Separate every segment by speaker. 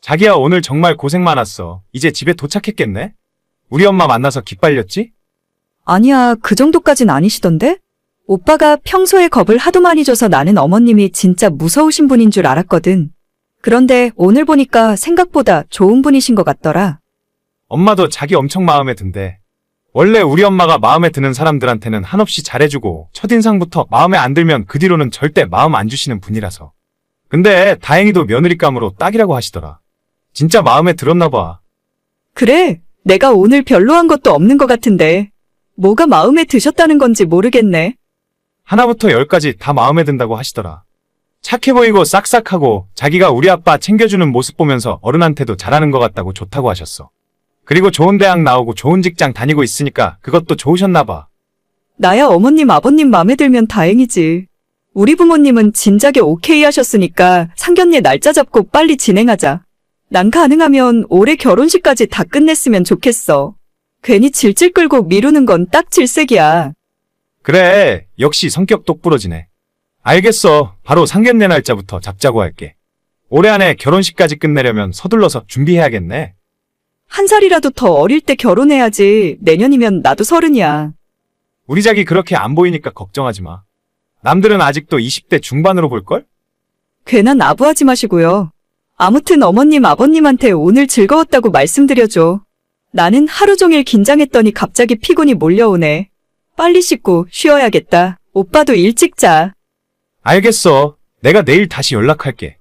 Speaker 1: 자기야, 오늘 정말 고생 많았어. 이제 집에 도착했겠네? 우리 엄마 만나서 기빨렸지?
Speaker 2: 아니야, 그 정도까진 아니시던데? 오빠가 평소에 겁을 하도 많이 줘서 나는 어머님이 진짜 무서우신 분인 줄 알았거든. 그런데 오늘 보니까 생각보다 좋은 분이신 것 같더라.
Speaker 1: 엄마도 자기 엄청 마음에 든대. 원래 우리 엄마가 마음에 드는 사람들한테는 한없이 잘해주고 첫인상부터 마음에 안 들면 그 뒤로는 절대 마음 안 주시는 분이라서. 근데 다행히도 며느리감으로 딱이라고 하시더라. 진짜 마음에 들었나 봐.
Speaker 2: 그래, 내가 오늘 별로 한 것도 없는 것 같은데. 뭐가 마음에 드셨다는 건지 모르겠네.
Speaker 1: 하나부터 열까지 다 마음에 든다고 하시더라. 착해 보이고 싹싹하고 자기가 우리 아빠 챙겨주는 모습 보면서 어른한테도 잘하는 것 같다고 좋다고 하셨어. 그리고 좋은 대학 나오고 좋은 직장 다니고 있으니까 그것도 좋으셨나 봐.
Speaker 2: 나야 어머님, 아버님 마음에 들면 다행이지. 우리 부모님은 진작에 오케이 하셨으니까 상견례 날짜 잡고 빨리 진행하자. 난 가능하면 올해 결혼식까지 다 끝냈으면 좋겠어. 괜히 질질 끌고 미루는 건 딱 질색이야.
Speaker 1: 그래, 역시 성격 똑부러지네. 알겠어. 바로 상견례 날짜부터 잡자고 할게. 올해 안에 결혼식까지 끝내려면 서둘러서 준비해야겠네.
Speaker 2: 한 살이라도 더 어릴 때 결혼해야지. 내년이면 나도 30이야.
Speaker 1: 우리 자기 그렇게 안 보이니까 걱정하지 마. 남들은 아직도 20대 중반으로 볼걸?
Speaker 2: 괜한 아부하지 마시고요. 아무튼 어머님, 아버님한테 오늘 즐거웠다고 말씀드려줘. 나는 하루 종일 긴장했더니 갑자기 피곤이 몰려오네. 빨리 씻고 쉬어야겠다. 오빠도 일찍 자.
Speaker 1: 알겠어. 내가 내일 다시 연락할게.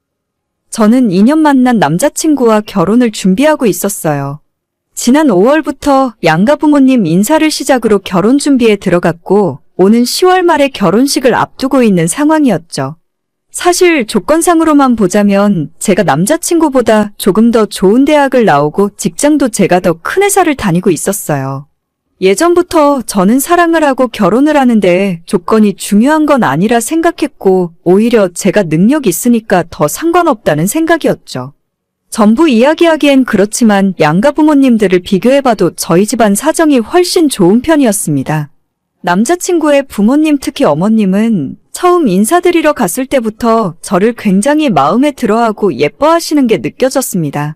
Speaker 2: 저는 2년 만난 남자친구와 결혼을 준비하고 있었어요. 지난 5월부터 양가 부모님 인사를 시작으로 결혼 준비에 들어갔고, 오는 10월 말에 결혼식을 앞두고 있는 상황이었죠. 사실 조건상으로만 보자면 제가 남자친구보다 조금 더 좋은 대학을 나오고 직장도 제가 더 큰 회사를 다니고 있었어요. 예전부터 저는 사랑을 하고 결혼을 하는데 조건이 중요한 건 아니라 생각했고 오히려 제가 능력 있으니까 더 상관없다는 생각이었죠. 전부 이야기하기엔 그렇지만 양가 부모님들을 비교해봐도 저희 집안 사정이 훨씬 좋은 편이었습니다. 남자친구의 부모님, 특히 어머님은 처음 인사드리러 갔을 때부터 저를 굉장히 마음에 들어하고 예뻐하시는 게 느껴졌습니다.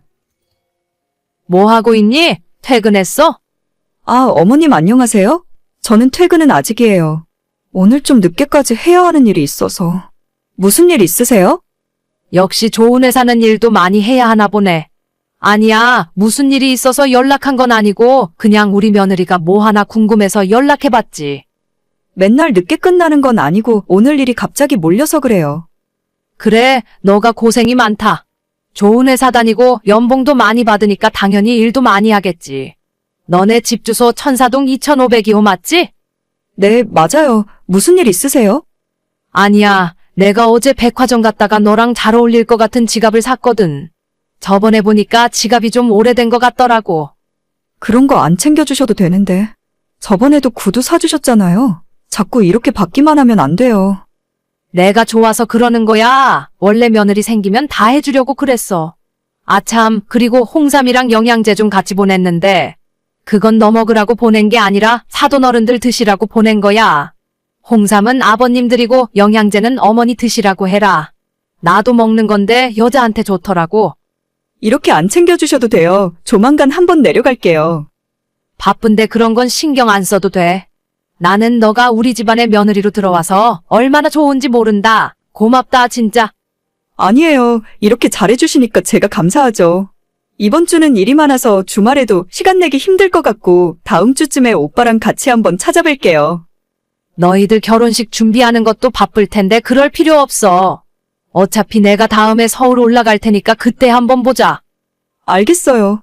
Speaker 3: 뭐 하고 있니? 퇴근했어?
Speaker 2: 아, 어머님 안녕하세요? 저는 퇴근은 아직이에요. 오늘 좀 늦게까지 해야 하는 일이 있어서. 무슨 일 있으세요?
Speaker 3: 역시 좋은 회사는 일도 많이 해야 하나 보네. 아니야, 무슨 일이 있어서 연락한 건 아니고 그냥 우리 며느리가 뭐 하나 궁금해서 연락해봤지.
Speaker 2: 맨날 늦게 끝나는 건 아니고 오늘 일이 갑자기 몰려서 그래요.
Speaker 3: 그래, 너가 고생이 많다. 좋은 회사 다니고 연봉도 많이 받으니까 당연히 일도 많이 하겠지. 너네 집 주소 천사동 2502호 맞지?
Speaker 2: 네, 맞아요. 무슨 일 있으세요?
Speaker 3: 아니야, 내가 어제 백화점 갔다가 너랑 잘 어울릴 것 같은 지갑을 샀거든. 저번에 보니까 지갑이 좀 오래된 것 같더라고.
Speaker 2: 그런 거 안 챙겨주셔도 되는데. 저번에도 구두 사주셨잖아요. 자꾸 이렇게 받기만 하면 안 돼요.
Speaker 3: 내가 좋아서 그러는 거야. 원래 며느리 생기면 다 해주려고 그랬어. 아참, 그리고 홍삼이랑 영양제 좀 같이 보냈는데 그건 너 먹으라고 보낸 게 아니라 사돈 어른들 드시라고 보낸 거야. 홍삼은 아버님 드리고 영양제는 어머니 드시라고 해라. 나도 먹는 건데 여자한테 좋더라고.
Speaker 2: 이렇게 안 챙겨주셔도 돼요. 조만간 한번 내려갈게요.
Speaker 3: 바쁜데 그런 건 신경 안 써도 돼. 나는 너가 우리 집안의 며느리로 들어와서 얼마나 좋은지 모른다. 고맙다, 진짜.
Speaker 2: 아니에요. 이렇게 잘해주시니까 제가 감사하죠. 이번 주는 일이 많아서 주말에도 시간 내기 힘들 것 같고 다음 주쯤에 오빠랑 같이 한번 찾아뵐게요.
Speaker 3: 너희들 결혼식 준비하는 것도 바쁠 텐데 그럴 필요 없어. 어차피 내가 다음에 서울 올라갈 테니까 그때 한번 보자.
Speaker 2: 알겠어요.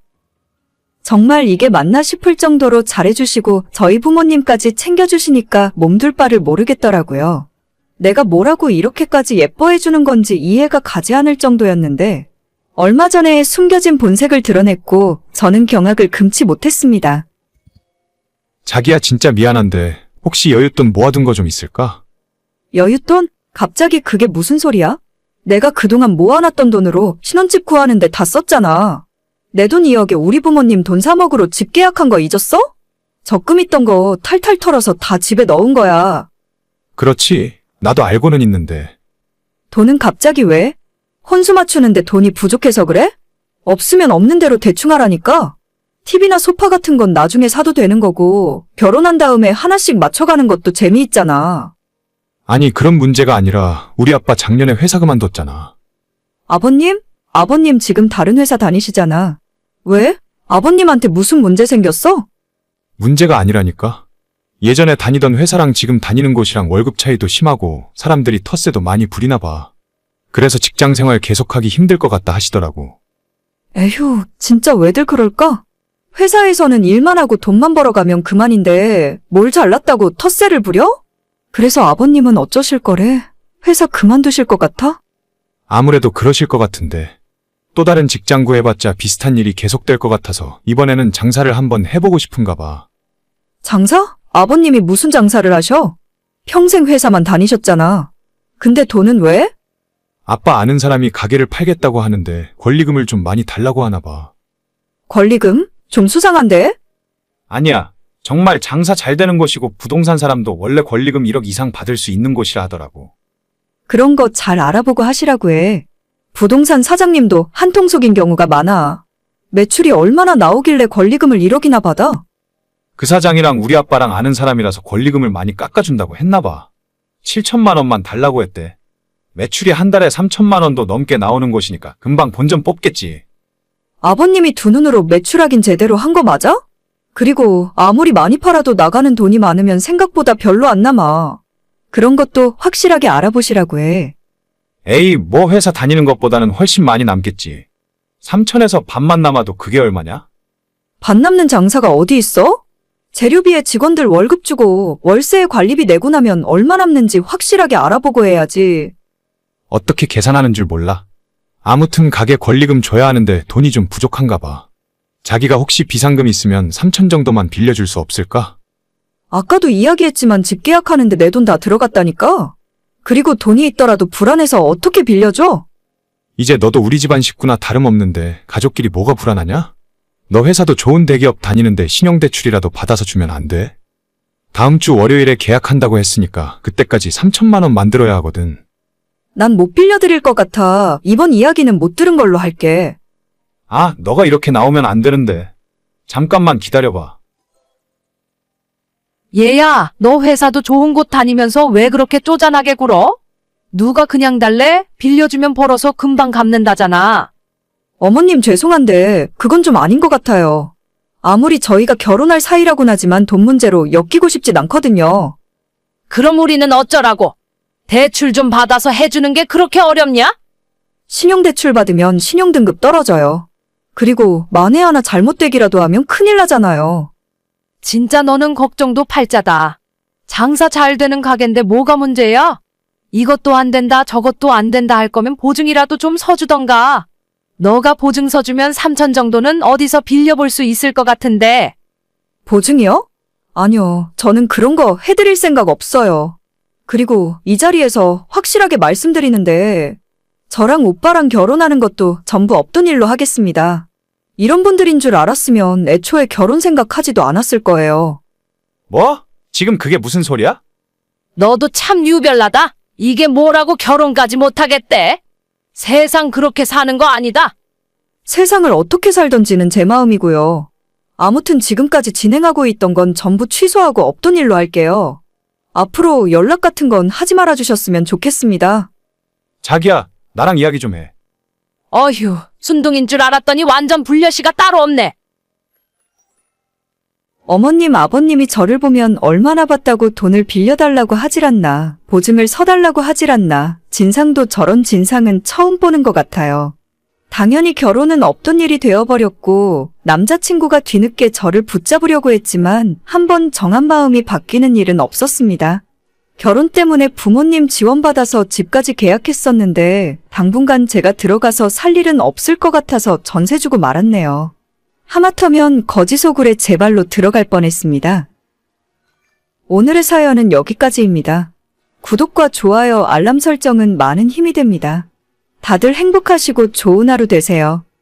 Speaker 2: 정말 이게 맞나 싶을 정도로 잘해주시고 저희 부모님까지 챙겨주시니까 몸둘 바를 모르겠더라고요. 내가 뭐라고 이렇게까지 예뻐해주는 건지 이해가 가지 않을 정도였는데 얼마 전에 숨겨진 본색을 드러냈고 저는 경악을 금치 못했습니다.
Speaker 1: 자기야, 진짜 미안한데 혹시 여윳돈 모아둔 거 좀 있을까?
Speaker 2: 여윳돈? 갑자기 그게 무슨 소리야? 내가 그동안 모아놨던 돈으로 신혼집 구하는데 다 썼잖아. 내 돈 2억에 우리 부모님 돈 3억으로 집 계약한 거 잊었어? 적금 있던 거 탈탈 털어서 다 집에 넣은 거야.
Speaker 1: 그렇지. 나도 알고는 있는데.
Speaker 2: 돈은 갑자기 왜? 혼수 맞추는데 돈이 부족해서 그래? 없으면 없는 대로 대충 하라니까. TV나 소파 같은 건 나중에 사도 되는 거고, 결혼한 다음에 하나씩 맞춰가는 것도 재미있잖아.
Speaker 1: 아니, 그런 문제가 아니라 우리 아빠 작년에 회사 그만뒀잖아.
Speaker 2: 아버님? 아버님 지금 다른 회사 다니시잖아. 왜? 아버님한테 무슨 문제 생겼어?
Speaker 1: 문제가 아니라니까? 예전에 다니던 회사랑 지금 다니는 곳이랑 월급 차이도 심하고 사람들이 텃세도 많이 부리나 봐. 그래서 직장 생활 계속하기 힘들 것 같다 하시더라고.
Speaker 2: 에휴, 진짜 왜들 그럴까? 회사에서는 일만 하고 돈만 벌어가면 그만인데 뭘 잘났다고 텃세를 부려? 그래서 아버님은 어쩌실 거래? 회사 그만두실 것 같아?
Speaker 1: 아무래도 그러실 것 같은데. 또 다른 직장 구해봤자 비슷한 일이 계속될 것 같아서 이번에는 장사를 한번 해보고 싶은가 봐.
Speaker 2: 장사? 아버님이 무슨 장사를 하셔? 평생 회사만 다니셨잖아. 근데 돈은 왜?
Speaker 1: 아빠 아는 사람이 가게를 팔겠다고 하는데 권리금을 좀 많이 달라고 하나 봐.
Speaker 2: 권리금? 좀 수상한데?
Speaker 1: 아니야. 정말 장사 잘 되는 곳이고 부동산 사람도 원래 권리금 1억 이상 받을 수 있는 곳이라 하더라고.
Speaker 2: 그런 거 잘 알아보고 하시라고 해. 부동산 사장님도 한통속인 경우가 많아. 매출이 얼마나 나오길래 권리금을 1억이나 받아?
Speaker 1: 그 사장이랑 우리 아빠랑 아는 사람이라서 권리금을 많이 깎아준다고 했나 봐. 7천만 원만 달라고 했대. 매출이 한 달에 3천만 원도 넘게 나오는 곳이니까 금방 본전 뽑겠지.
Speaker 2: 아버님이 두 눈으로 매출하긴 제대로 한 거 맞아? 그리고 아무리 많이 팔아도 나가는 돈이 많으면 생각보다 별로 안 남아. 그런 것도 확실하게 알아보시라고 해.
Speaker 1: 에이, 뭐 회사 다니는 것보다는 훨씬 많이 남겠지. 3천에서 반만 남아도 그게 얼마냐?
Speaker 2: 반 남는 장사가 어디 있어? 재료비에 직원들 월급 주고 월세에 관리비 내고 나면 얼마 남는지 확실하게 알아보고 해야지.
Speaker 1: 어떻게 계산하는 줄 몰라. 아무튼 가게 권리금 줘야 하는데 돈이 좀 부족한가 봐. 자기가 혹시 비상금 있으면 3천 정도만 빌려줄 수 없을까?
Speaker 2: 아까도 이야기했지만 집 계약하는데 내 돈 다 들어갔다니까? 그리고 돈이 있더라도 불안해서 어떻게 빌려줘?
Speaker 1: 이제 너도 우리 집안 식구나 다름없는데 가족끼리 뭐가 불안하냐? 너 회사도 좋은 대기업 다니는데 신용대출이라도 받아서 주면 안 돼? 다음 주 월요일에 계약한다고 했으니까 그때까지 3천만 원 만들어야 하거든.
Speaker 2: 난 못 빌려드릴 것 같아. 이번 이야기는 못 들은 걸로 할게.
Speaker 1: 아, 너가 이렇게 나오면 안 되는데. 잠깐만 기다려봐.
Speaker 3: 얘야, 너 회사도 좋은 곳 다니면서 왜 그렇게 쪼잔하게 굴어? 누가 그냥 달래? 빌려주면 벌어서 금방 갚는다잖아.
Speaker 2: 어머님 죄송한데 그건 좀 아닌 것 같아요. 아무리 저희가 결혼할 사이라곤 하지만 돈 문제로 엮이고 싶진 않거든요.
Speaker 3: 그럼 우리는 어쩌라고? 대출 좀 받아서 해주는 게 그렇게 어렵냐?
Speaker 2: 신용대출 받으면 신용등급 떨어져요. 그리고 만에 하나 잘못되기라도 하면 큰일 나잖아요.
Speaker 3: 진짜 너는 걱정도 팔자다. 장사 잘 되는 가게인데 뭐가 문제야? 이것도 안 된다 저것도 안 된다 할 거면 보증이라도 좀 서주던가. 너가 보증 서주면 3천 정도는 어디서 빌려볼 수 있을 것 같은데.
Speaker 2: 보증이요? 아니요. 저는 그런 거 해드릴 생각 없어요. 그리고 이 자리에서 확실하게 말씀드리는데 저랑 오빠랑 결혼하는 것도 전부 없던 일로 하겠습니다. 이런 분들인 줄 알았으면 애초에 결혼 생각하지도 않았을 거예요.
Speaker 1: 뭐? 지금 그게 무슨 소리야?
Speaker 3: 너도 참 유별나다. 이게 뭐라고 결혼까지 못하겠대? 세상 그렇게 사는 거 아니다.
Speaker 2: 세상을 어떻게 살던지는 제 마음이고요. 아무튼 지금까지 진행하고 있던 건 전부 취소하고 없던 일로 할게요. 앞으로 연락 같은 건 하지 말아 주셨으면 좋겠습니다.
Speaker 1: 자기야, 나랑 이야기 좀 해.
Speaker 3: 어휴, 순둥인 줄 알았더니 완전 불려시가 따로 없네.
Speaker 2: 어머님, 아버님이 저를 보면 얼마나 봤다고 돈을 빌려달라고 하질 않나, 보증을 서달라고 하질 않나, 진상도 저런 진상은 처음 보는 것 같아요. 당연히 결혼은 없던 일이 되어버렸고, 남자친구가 뒤늦게 저를 붙잡으려고 했지만, 한번 정한 마음이 바뀌는 일은 없었습니다. 결혼 때문에 부모님 지원받아서 집까지 계약했었는데, 당분간 제가 들어가서 살 일은 없을 것 같아서 전세 주고 말았네요. 하마터면 거지소굴에 제 발로 들어갈 뻔했습니다. 오늘의 사연은 여기까지입니다. 구독과 좋아요, 알람 설정은 많은 힘이 됩니다. 다들 행복하시고 좋은 하루 되세요.